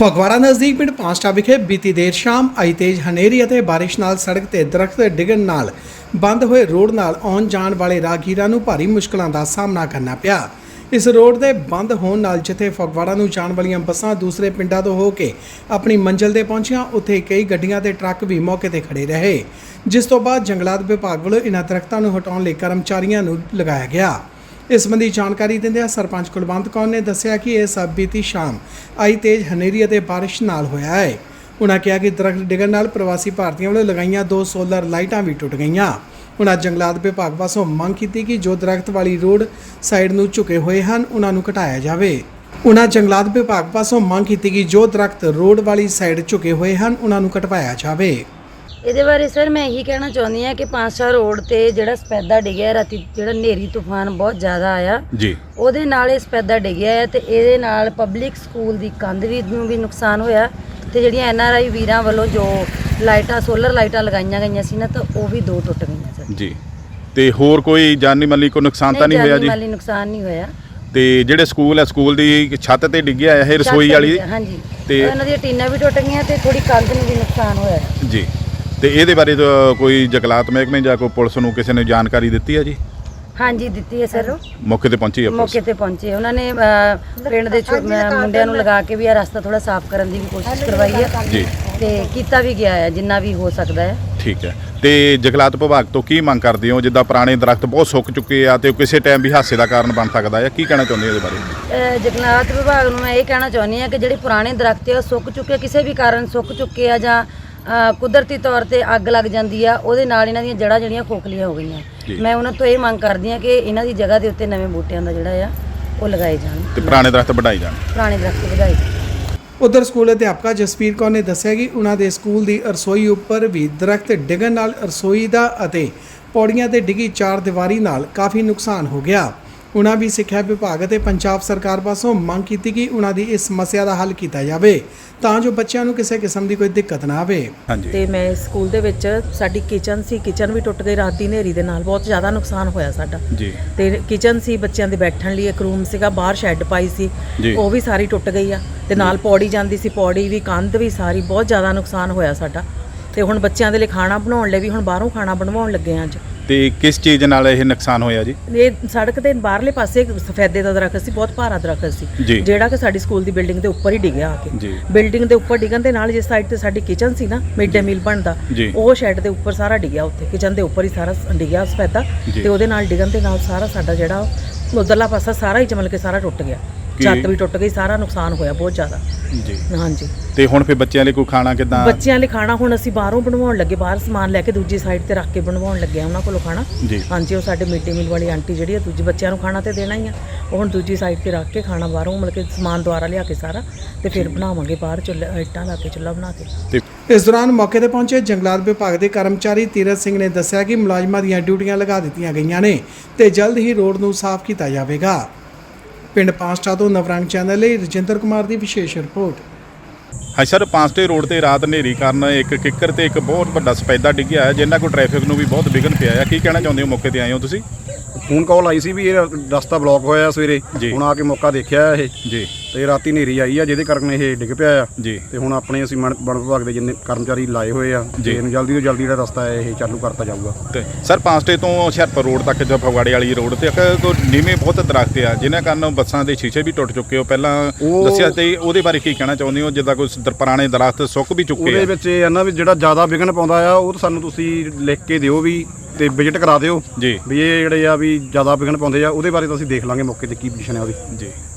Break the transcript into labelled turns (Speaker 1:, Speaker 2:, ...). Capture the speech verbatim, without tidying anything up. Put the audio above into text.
Speaker 1: ਫਗਵਾੜਾ ਨਜ਼ਦੀਕ ਪਿੰਡ ਪਾਂਸਟਾ ਵਿਖੇ ਬੀਤੀ ਦੇਰ ਸ਼ਾਮ ਆਈ ਤੇਜ਼ ਹਨੇਰੀ ਅਤੇ ਬਾਰਿਸ਼ ਨਾਲ ਸੜਕ ਤੇ ਦਰਖਤ ਡਿੱਗਣ ਨਾਲ ਬੰਦ ਹੋਏ ਰੋਡ ਨਾਲ ਆਉਣ ਜਾਣ ਵਾਲੇ ਰਾਹਗੀਰਾਂ ਨੂੰ ਭਾਰੀ ਮੁਸ਼ਕਲਾਂ ਦਾ ਸਾਹਮਣਾ ਕਰਨਾ ਪਿਆ। ਇਸ ਰੋਡ ਦੇ ਬੰਦ ਹੋਣ ਨਾਲ ਜਿੱਥੇ ਫਗਵਾੜਾ ਨੂੰ ਜਾਣ ਵਾਲੀਆਂ ਬੱਸਾਂ ਦੂਸਰੇ ਪਿੰਡਾਂ ਤੋਂ ਹੋ ਕੇ ਆਪਣੀ ਮੰਜ਼ਿਲ ਤੇ ਪਹੁੰਚੀਆਂ, ਉੱਥੇ ਕਈ ਗੱਡੀਆਂ ਤੇ ਟਰੱਕ ਵੀ ਮੌਕੇ ਤੇ ਖੜੇ ਰਹੇ, ਜਿਸ ਤੋਂ ਬਾਅਦ ਜੰਗਲਾਤ ਵਿਭਾਗ ਵੱਲੋਂ ਇਨ੍ਹਾਂ ਦਰਖਤਾਂ ਨੂੰ ਹਟਾਉਣ ਲਈ ਕਰਮਚਾਰੀਆਂ ਨੂੰ ਲਗਾਇਆ ਗਿਆ। ਇਸ ਸੰਬੰਧੀ ਜਾਣਕਾਰੀ ਦਿੰਦਿਆਂ ਸਰਪੰਚ ਕੁਲਵੰਤ ਕੌਰ ਨੇ ਦੱਸਿਆ ਕਿ ਇਹ ਸਭ ਬੀਤੀ ਸ਼ਾਮ ਆਈ ਤੇਜ਼ ਹਨੇਰੀ ਅਤੇ ਬਾਰਿਸ਼ ਨਾਲ ਹੋਇਆ ਹੈ। ਉਨ੍ਹਾਂ ਕਿਹਾ ਕਿ ਦਰਖਤ ਡਿੱਗਣ ਨਾਲ ਪ੍ਰਵਾਸੀ ਭਾਰਤੀਆਂ ਵੱਲੋਂ ਲਗਾਈਆਂ ਦੋ ਸੋਲਰ ਲਾਈਟਾਂ ਵੀ ਟੁੱਟ ਗਈਆਂ। ਉਨ੍ਹਾਂ ਜੰਗਲਾਤ ਵਿਭਾਗ ਪਾਸੋਂ ਮੰਗ ਕੀਤੀ ਕਿ ਜੋ ਦਰਖਤ ਵਾਲੀ ਰੋਡ ਸਾਈਡ ਨੂੰ ਝੁਕੇ ਹੋਏ ਹਨ ਉਹਨਾਂ ਨੂੰ ਘਟਾਇਆ ਜਾਵੇ। ਉਨ੍ਹਾਂ ਜੰਗਲਾਤ ਵਿਭਾਗ ਪਾਸੋਂ ਮੰਗ ਕੀਤੀ ਕਿ ਜੋ ਦਰਖਤ ਰੋਡ ਵਾਲੀ ਸਾਈਡ ਝੁਕੇ ਹੋਏ ਹਨ ਉਹਨਾਂ ਨੂੰ ਘਟਵਾਇਆ ਜਾਵੇ।
Speaker 2: ਇਹਦੇ ਬਾਰੇ ਸਰ ਮੈਂ ਇਹੀ ਕਹਿਣਾ ਚਾਹੁੰਦੀ ਹਾਂ ਕਿ ਪਾਂਸਟਾ ਰੋਡ ਤੇ ਜਿਹੜਾ ਸਪੈਦਾ ਡਿੱਗਿਆ ਰਾਤੀ, ਜਿਹੜਾ ਹਨੇਰੀ ਤੂਫਾਨ ਬਹੁਤ ਜ਼ਿਆਦਾ ਆਇਆ ਜੀ, ਉਹਦੇ ਨਾਲ ਇਹ ਸਪੈਦਾ ਡਿੱਗਿਆ ਹੈ ਤੇ ਇਹਦੇ ਨਾਲ ਪਬਲਿਕ ਸਕੂਲ ਦੀ ਕੰਧ ਵੀ ਨੂੰ ਵੀ ਨੁਕਸਾਨ ਹੋਇਆ ਤੇ ਜਿਹੜੀਆਂ ਐਨ ਆਰ ਆਈ ਵੀਰਾਂ ਵੱਲੋਂ ਜੋ ਲਾਈਟਾਂ ਸੋਲਰ ਲਾਈਟਾਂ ਲਗਾਈਆਂ ਗਈਆਂ ਸੀ ਨਾ, ਤਾਂ ਉਹ ਵੀ ਦੋ ਟੁੱਟ ਗਈਆਂ ਸਰ ਜੀ।
Speaker 3: ਤੇ ਹੋਰ ਕੋਈ ਜਾਨੀ ਮਾਲੀ ਕੋਈ ਨੁਕਸਾਨ ਤਾਂ ਨਹੀਂ ਹੋਇਆ ਜੀ?
Speaker 2: ਜਾਨੀ ਮਾਲੀ ਨੁਕਸਾਨ ਨਹੀਂ ਹੋਇਆ।
Speaker 3: ਤੇ ਜਿਹੜੇ ਸਕੂਲ ਹੈ, ਸਕੂਲ ਦੀ ਛੱਤ ਤੇ ਡਿੱਗਿਆ ਹੈ ਇਹ ਰਸੋਈ ਵਾਲੀ?
Speaker 2: ਹਾਂਜੀ,
Speaker 3: ਤੇ
Speaker 2: ਇਹਨਾਂ ਦੀਆਂ ਟੀਨਾਂ ਵੀ ਟੁੱਟ ਗਈਆਂ ਤੇ ਥੋੜੀ ਕੰਧ ਨੂੰ ਵੀ ਨੁਕਸਾਨ ਹੋਇਆ
Speaker 3: ਜੀ। ਤੇ ਇਹਦੇ ਬਾਰੇ ਕੋਈ ਜੰਗਲਾਤ ਮਹਿਕਮੇ ਜਾਂ ਕੋਈ ਪੁਲਿਸ ਨੂੰ ਕਿਸੇ ਨੇ ਜਾਣਕਾਰੀ ਦਿੱਤੀ ਹੈ ਜੀ?
Speaker 2: ਹਾਂਜੀ ਦਿੱਤੀ ਹੈ ਸਰ।
Speaker 3: ਮੌਕੇ ਤੇ ਪਹੁੰਚੀ ਹੈ ਪੁਲਿਸ? ਮੌਕੇ
Speaker 2: ਤੇ ਪਹੁੰਚੇ ਉਹਨਾਂ ਨੇ ਪਿੰਡ ਦੇ ਮੁੰਡਿਆਂ ਨੂੰ ਲਗਾ ਕੇ ਵੀ ਇਹ ਰਸਤਾ ਥੋੜਾ ਸਾਫ਼ ਕਰਨ ਦੀ ਵੀ ਕੋਸ਼ਿਸ਼ ਕਰਵਾਈ ਹੈ ਜੀ, ਤੇ ਕੀਤਾ ਵੀ ਗਿਆ ਹੈ ਜਿੰਨਾ ਵੀ ਹੋ ਸਕਦਾ ਹੈ। ਠੀਕ ਹੈ।
Speaker 3: ਤੇ ਜੰਗਲਾਤ ਵਿਭਾਗ ਤੋਂ ਕੀ ਮੰਗ ਕਰਦੇ ਹੋ? ਜਿੱਦਾਂ ਪੁਰਾਣੇ ਦਰਖਤ ਬਹੁਤ ਸੁੱਕ ਚੁੱਕੇ ਆ ਤੇ ਕਿਸੇ ਟਾਈਮ ਵੀ ਹਾਦਸੇ ਦਾ ਕਾਰਨ ਬਣ ਸਕਦਾ ਹੈ, ਕੀ ਕਹਿਣਾ ਚਾਹੁੰਦੇ ਹੋ ਇਹਦੇ ਬਾਰੇ?
Speaker 2: ਜੰਗਲਾਤ ਵਿਭਾਗ ਨੂੰ ਮੈਂ ਇਹ ਕਹਿਣਾ ਚਾਹੁੰਦੀ ਹਾਂ ਕਿ ਜਿਹੜੇ ਪੁਰਾਣੇ ਦਰਖਤ ਆ ਸੁੱਕ ਚੁੱਕੇ, ਕਿਸੇ ਵੀ ਕਾਰਨ ਸੁੱਕ ਚੁੱਕੇ ਆ ਜਾਂ ਕੁਦਰਤੀ ਤੌਰ ਤੇ ਅੱਗ ਲੱਗ ਜਾਂਦੀ ਆ, ਉਹਦੇ ਨਾਲ ਇਹਨਾਂ ਦੀਆਂ ਜੜ੍ਹਾਂ ਜਿਹੜੀਆਂ ਖੋਖਲੀਆਂ ਹੋ ਗਈਆਂ। ਮੈਂ ਉਹਨਾਂ ਤੋਂ ਇਹ ਮੰਗ ਕਰਦੀ ਹਾਂ ਕਿ ਇਹਨਾਂ ਦੀ ਜਗ੍ਹਾ ਦੇ ਉੱਤੇ ਨਵੇਂ ਬੂਟਿਆਂ ਦਾ ਜਿਹੜਾ ਆ ਉਹ ਲਗਾਏ ਜਾਣ
Speaker 3: ਤੇ ਪੁਰਾਣੇ ਦਰਖਤ ਵਧਾਏ ਜਾਣ
Speaker 2: ਪੁਰਾਣੇ ਦਰਖਤ ਵਧਾਏ ਜਾਣ।
Speaker 1: ਉਧਰ ਸਕੂਲ ਅਧਿਆਪਕਾ ਜਸਵੀਰ ਕੌਰ ਨੇ ਦੱਸਿਆ ਕਿ ਉਹਨਾਂ ਦੇ ਸਕੂਲ ਦੀ ਰਸੋਈ ਉੱਪਰ ਵੀ ਦਰਖਤ ਡਿੱਗਣ ਨਾਲ ਰਸੋਈ ਦਾ ਅਤੇ ਪੌੜੀਆਂ ਤੇ ਡਿੱਗੀ ਚਾਰ ਦੀਵਾਰੀ ਨਾਲ ਕਾਫੀ ਨੁਕਸਾਨ ਹੋ ਗਿਆ। ਉਹਨਾਂ ਵੀ ਸਿੱਖਿਆ ਵਿਭਾਗ ਅਤੇ ਪੰਜਾਬ ਸਰਕਾਰ ਪਾਸੋਂ ਮੰਗ ਕੀਤੀ ਕਿ ਉਹਨਾਂ ਦੀ ਇਸ ਸਮੱਸਿਆ ਦਾ ਹੱਲ ਕੀਤਾ ਜਾਵੇ ਤਾਂ ਜੋ ਬੱਚਿਆਂ ਨੂੰ ਕਿਸੇ ਕਿਸਮ ਦੀ ਕੋਈ ਦਿੱਕਤ ਨਾ ਆਵੇ।
Speaker 4: ਤੇ ਮੈਂ ਸਕੂਲ ਦੇ ਵਿੱਚ ਸਾਡੀ ਕਿਚਨ ਸੀ, ਕਿਚਨ ਵੀ ਟੁੱਟ ਗਈ ਰਾਤ ਦੀ ਹਨੇਰੀ ਦੇ ਨਾਲ, ਬਹੁਤ ਜ਼ਿਆਦਾ ਨੁਕਸਾਨ ਹੋਇਆ ਸਾਡਾ ਜੀ। ਤੇ ਕਿਚਨ ਸੀ, ਬੱਚਿਆਂ ਦੇ ਬੈਠਣ ਲਈ ਇੱਕ ਰੂਮ ਸੀਗਾ, ਬਾਹਰ ਸ਼ੈੱਡ ਪਾਈ ਸੀ, ਉਹ ਵੀ ਸਾਰੀ ਟੁੱਟ ਗਈ ਆ। ਤੇ ਨਾਲ ਪੌੜੀ ਜਾਂਦੀ ਸੀ, ਪੌੜੀ ਵੀ, ਕੰਧ ਵੀ, ਸਾਰੀ ਬਹੁਤ ਜ਼ਿਆਦਾ ਨੁਕਸਾਨ ਹੋਇਆ ਸਾਡਾ। ਤੇ ਹੁਣ ਬੱਚਿਆਂ ਦੇ ਲਈ ਖਾਣਾ ਬਣਾਉਣ ਲਈ ਵੀ ਹੁਣ ਬਾਹਰੋਂ ਖਾਣਾ ਬਣਵਾਉਣ ਲੱਗੇ ਆ ਅੱਜ।
Speaker 3: ਤੇ ਕਿਸ ਚੀਜ਼ ਨਾਲ ਇਹ ਨੁਕਸਾਨ ਹੋਇਆ ਜੀ?
Speaker 4: ਇਹ ਸੜਕ ਦੇ ਬਾਹਰਲੇ ਪਾਸੇ ਸਫੈਦੇ ਦਾ ਦਰਖਤ ਸੀ, ਬਹੁਤ ਭਾਰਾ ਦਰਖਤ ਸੀ, ਜਿਹੜਾ ਕਿ ਸਾਡੀ ਸਕੂਲ ਦੀ ਬਿਲਡਿੰਗ ਦੇ ਉੱਪਰ ਹੀ ਡਿੱਗਿਆ ਆ ਕੇ। ਬਿਲਡਿੰਗ ਦੇ ਉੱਪਰ ਡਿੱਗਣ ਦੇ ਨਾਲ ਜਿਸ ਸਾਈਡ ਤੇ ਸਾਡੀ ਕਿਚਨ ਸੀ ਨਾ, ਮਿਡ ਡੇ ਮੀਲ ਬਣਦਾ, ਉਹ ਸ਼ੈੱਡ ਦੇ ਉੱਪਰ ਸਾਰਾ ਡਿੱਗਿਆ, ਉੱਥੇ ਕਿਚਨ ਦੇ ਉੱਪਰ ਹੀ ਸਾਰਾ ਡਿੱਗਿਆ ਸਫੈਦਾ। ਤੇ ਉਹਦੇ ਨਾਲ ਡਿੱਗਣ ਦੇ ਨਾਲ ਸਾਰਾ ਸਾਡਾ ਜਿਹੜਾ ਉਧਰਲਾ ਪਾਸਾ ਸਾਰਾ ਹੀ ਚਮਲ ਕੇ ਸਾਰਾ ਟੁੱਟ ਗਿਆ, ਛੱਤ ਵੀ ਟੁੱਟ ਗਈ, ਸਾਰਾ ਨੁਕਸਾਨ ਹੋਇਆ ਬਹੁਤ ਜ਼ਿਆਦਾ ਜੀ। ਹਾਂਜੀ।
Speaker 3: ਤੇ ਹੁਣ ਫਿਰ ਬੱਚਿਆਂ ਲਈ ਕੋਈ ਖਾਣਾ ਕਿੱਦਾਂ? ਬੱਚਿਆਂ
Speaker 4: ਲਈ ਖਾਣਾ ਹੁਣ ਅਸੀਂ ਬਾਹਰੋਂ ਬਣਵਾਉਣ ਲੱਗੇ, ਬਾਹਰ ਸਮਾਨ ਲੈ ਕੇ ਦੂਜੀ ਸਾਈਡ ਤੇ ਰੱਖ ਕੇ ਬਣਵਾਉਣ ਲੱਗੇ ਆ ਉਹਨਾਂ ਕੋਲੋਂ ਖਾਣਾ ਜੀ। ਹਾਂਜੀ, ਉਹ ਸਾਡੇ ਮਿਡ ਡੇ ਮੀਲ ਵਾਲੀ ਆਂਟੀ ਜਿਹੜੀ ਆ, ਦੂਜੇ ਬੱਚਿਆਂ ਨੂੰ ਖਾਣਾ ਤੇ ਦੇਣਾ ਹੀ ਆ, ਉਹ ਹੁਣ ਦੂਜੀ ਸਾਈਡ ਤੇ ਰੱਖ ਕੇ ਖਾਣਾ ਬਾਹਰੋਂ ਮਤਲਬ ਕਿ ਸਮਾਨ ਦੁਆਰਾ ਲਿਆ ਕੇ ਸਾਰਾ, ਤੇ ਫਿਰ ਬਣਾਵਾਂਗੇ ਬਾਹਰ ਚੁੱਲ੍ਹਾ, ਇੱਟਾਂ ਲਾ ਕੇ ਚੁੱਲ੍ਹਾ ਬਣਾ ਕੇ।
Speaker 1: ਇਸ ਦੌਰਾਨ ਮੌਕੇ ਤੇ ਪਹੁੰਚੇ ਜੰਗਲਾਤ ਵਿਭਾਗ ਦੇ ਕਰਮਚਾਰੀ ਤੀਰਥ ਸਿੰਘ ਨੇ ਦੱਸਿਆ ਕਿ ਮੁਲਾਜ਼ਮਾਂ ਦੀਆਂ ਡਿਊਟੀਆਂ ਲਗਾ ਦਿੱਤੀਆਂ ਗਈਆਂ ਨੇ ਤੇ ਜਲਦ ਹੀ ਰੋਡ ਨੂੰ ਸਾਫ਼ ਕੀਤਾ ਜਾਵੇਗਾ। ਪਿੰਡ ਪਾਂਸਟਾ ਤੋਂ ਨਵਰੰਗ ਚੈਨਲ ਲਈ ਰਜਿੰਦਰ ਕੁਮਾਰ ਦੀ ਵਿਸ਼ੇਸ਼ ਰਿਪੋਰਟ।
Speaker 3: ਹਾਂ ਸਰ, ਪਾਂਸਟੇ ਰੋਡ ਤੇ ਰਾਤ ਹਨੇਰੀ ਕਾਰਨ ਇੱਕ ਕਿੱਕਰ ਤੇ ਇੱਕ ਬਹੁਤ ਵੱਡਾ ਸਪੈਦਾ ਡਿੱਗਿਆ ਹੈ, ਜਿੰਨਾ ਕੋਈ ਟ੍ਰੈਫਿਕ ਨੂੰ ਵੀ ਬਹੁਤ ਵਿਘਨ ਪਿਆ ਹੈ। ਕੀ ਕਹਿਣਾ ਚਾਹੁੰਦੇ ਹੋ? ਮੌਕੇ ਤੇ ਆਏ ਹੋ ਤੁਸੀਂ?
Speaker 5: ਫੋਨ ਕਾਲ ਆਈ ਸੀ ਵੀ ਇਹ ਰਸਤਾ ਬਲੌਕ ਹੋਇਆ ਸਵੇਰੇ, ਹੁਣ ਆ ਕੇ ਮੌਕਾ ਦੇਖਿਆ ਇਹ ਜੀ, ਤੇ ਰਾਤੀ ਹਨੇਰੀ ਆਈ ਆ ਜਿਹਦੇ ਕਾਰਨ ਇਹ ਡਿੱਗ ਪਿਆ ਆ ਜੀ। ਤੇ ਹੁਣ ਆਪਣੇ ਅਸੀਂ ਵਣ ਵਿਭਾਗ ਦੇ ਜਿੰਨੇ ਕਰਮਚਾਰੀ ਲਾਏ ਹੋਏ ਆ ਜੀ, ਇਹਨੂੰ ਜਲਦੀ ਤੋਂ ਜਲਦੀ ਜਿਹੜਾ ਰਸਤਾ ਹੈ ਇਹ ਚਾਲੂ ਕਰਤਾ ਜਾਊਗਾ।
Speaker 3: ਤੇ ਸਰ, ਪਾਂਸਟੇ ਤੋਂ ਹੁਸ਼ਿਆਰਪੁਰ ਰੋਡ ਤੱਕ ਜਾਂ ਫਗਵਾੜੇ ਵਾਲੀ ਰੋਡ ਤੇ ਇੱਕ ਨੀਵੇਂ ਬਹੁਤ ਦਰਖਤ ਆ ਜਿਨ੍ਹਾਂ ਕਾਰਨ ਬੱਸਾਂ ਦੇ ਸ਼ੀਸ਼ੇ ਵੀ ਟੁੱਟ ਚੁੱਕੇ ਹੋ ਪਹਿਲਾਂ ਦੱਸਿਆ, ਤੇ ਉਹਦੇ ਬਾਰੇ ਕੀ ਕਹਿਣਾ ਚਾਹੁੰਦੇ ਹੋ? ਜਿੱਦਾਂ ਕੋਈ ਪੁਰਾਣੇ ਦਰਖਤ ਸੁੱਕ ਵੀ ਚੁੱਕੇ ਆ, ਉਹਦੇ ਵਿੱਚ ਇਹ ਨਾ ਵੀ ਜਿਹੜਾ ਜ਼ਿਆਦਾ ਵਿਘਨ ਪਾਉਂਦਾ ਆ ਉਹ ਸਾਨੂੰ ਤੁਸੀਂ ਲਿਖ ਕੇ ਦਿਓ ਵੀ ਤੇ ਵਿਜ਼ਿਟ ਕਰਾ ਦਿਓ ਜੀ, ਵੀ ਇਹ ਜਿਹੜੇ ਆ ਵੀ ਜ਼ਿਆਦਾ ਵਿਘਨ ਪਾਉਂਦੇ ਆ, ਉਹਦੇ ਬਾਰੇ ਤਾਂ ਅਸੀਂ ਦੇਖ ਲਾਂਗੇ ਮੌਕੇ ਤੇ ਕੀ ਪੋਜੀਸ਼ਨ ਹੈ ਉਹਦੀ ਜੀ।